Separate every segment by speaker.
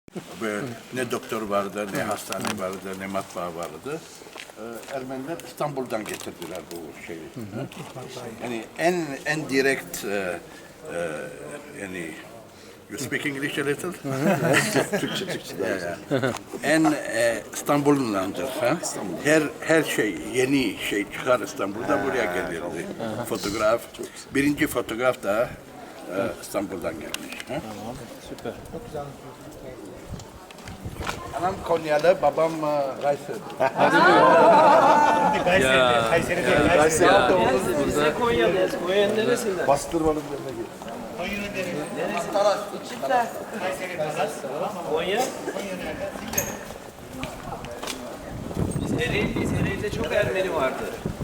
Speaker 1: Böyle ne doktor vardı, ne hastane vardı, ne matbaa vardı. Ermeniler İstanbul'dan getirdiler bu şeyi. Yani en direkt yani you speak English a little? Türkçe. En İstanbul'dandır. Her şey, yeni şey çıkar İstanbul'da buraya gelirdi. Fotoğraf. Birinci fotoğraf da İstanbul'dan gelmiş.
Speaker 2: Tamam, süper.
Speaker 1: Anam Konyalı, babam Kayseri.
Speaker 3: Kayseri'de.
Speaker 2: Kayseri. Biz de Konya'dayız. Konya'nın neresinden?
Speaker 3: Bastırmanın yerine gir.
Speaker 2: Konya? Biz Ereğli'yiz. Ereğli'de çok Ermeni vardı.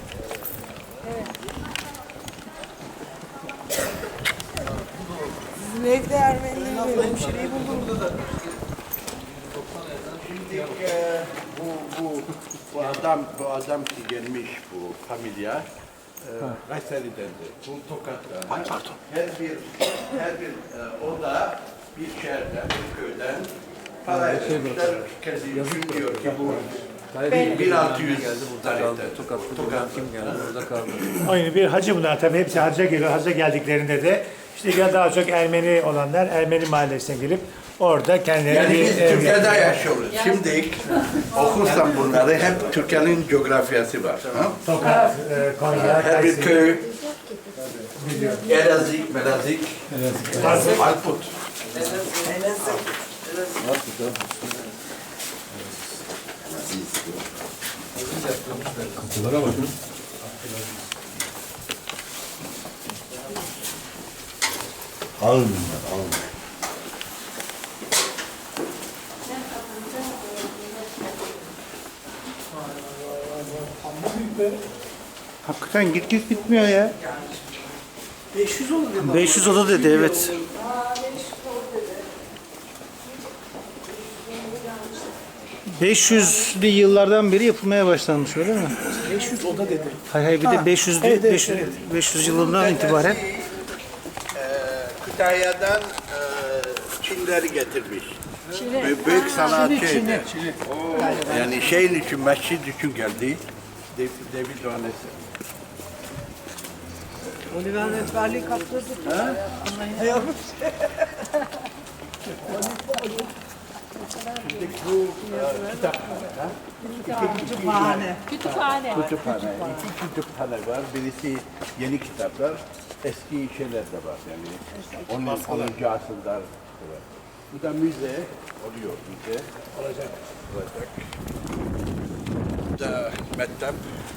Speaker 4: Sizin evde Ermenileri hemşireyi buldum.
Speaker 1: Şimdi bu adam ki gelmiş bu familya Kayseri'dendi. Bu Tokat'ta. Her bir oda bir şehirden, bir köyden para etmişler. Kendi diyor ki bu 1600 tarihte. Tokat
Speaker 2: Kim geldi? Burada kaldı.
Speaker 5: Aynı bir hacı bunlar tabii hepsi hacca geliyor. Hacca geldiklerinde de işte daha çok Ermeni olanlar Ermeni mahallesine gelip orada kendileri
Speaker 1: Yani biz
Speaker 5: ev
Speaker 1: Türkiye'de
Speaker 5: yapıyorlar.
Speaker 1: yaşıyoruz. Şimdi okursan bunları hep Türkiye'nin coğrafyası var. Ha?
Speaker 5: Tokat, Konya,
Speaker 1: Her bir
Speaker 5: Kayseri.
Speaker 1: köy, Elazığ, Melazik, Arput.
Speaker 3: Kapılara bakın. Ağır bunlar, ağır.
Speaker 5: Hakikaten git bitmiyor ya. 500 oda dedi evet. ...500'lü yıllardan beri yapılmaya başlanmış öyle mi?
Speaker 4: 500 oda dedi.
Speaker 5: Hayır bir de 500,
Speaker 4: evet,
Speaker 5: 500 yılından itibaren.
Speaker 1: Kütahya'dan Çinleri getirmiş. Büyük sanatçıydı. Yani şeyin için, mescid için geldi. David Doğanesi.
Speaker 4: Oliver Netverliği kaptırdı.
Speaker 1: Şimdi bu
Speaker 4: Kütüphane.
Speaker 1: kütüphane. İki kütüphane var. Birisi yeni kitaplar, eski şeyler de var. Yani 10. asırda. Bu da müze oluyor, müze. Olacak. Bu da mektep.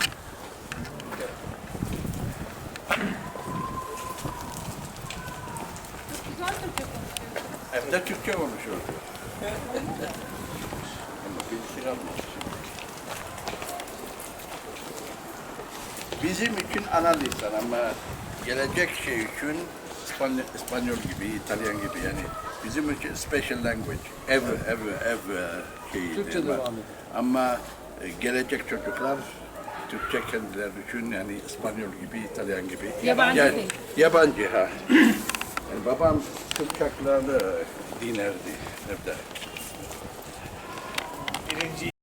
Speaker 1: Evde Türkçe konuşuyor. Ama bilgisini almış. Bizim için ana lisan ama gelecek şey için İspanyol gibi, İtalyan gibi yani bizim için special language, ev şeyi.
Speaker 2: Türkçe devam ediyor.
Speaker 1: Ama gelecek çocuklar Türkçe kendileri için yani İspanyol gibi, İtalyan gibi.
Speaker 6: Yabancı
Speaker 1: yani,
Speaker 6: değil.
Speaker 1: Yabancı ha. Yani babam Kıpçaklarla dinerdi evde.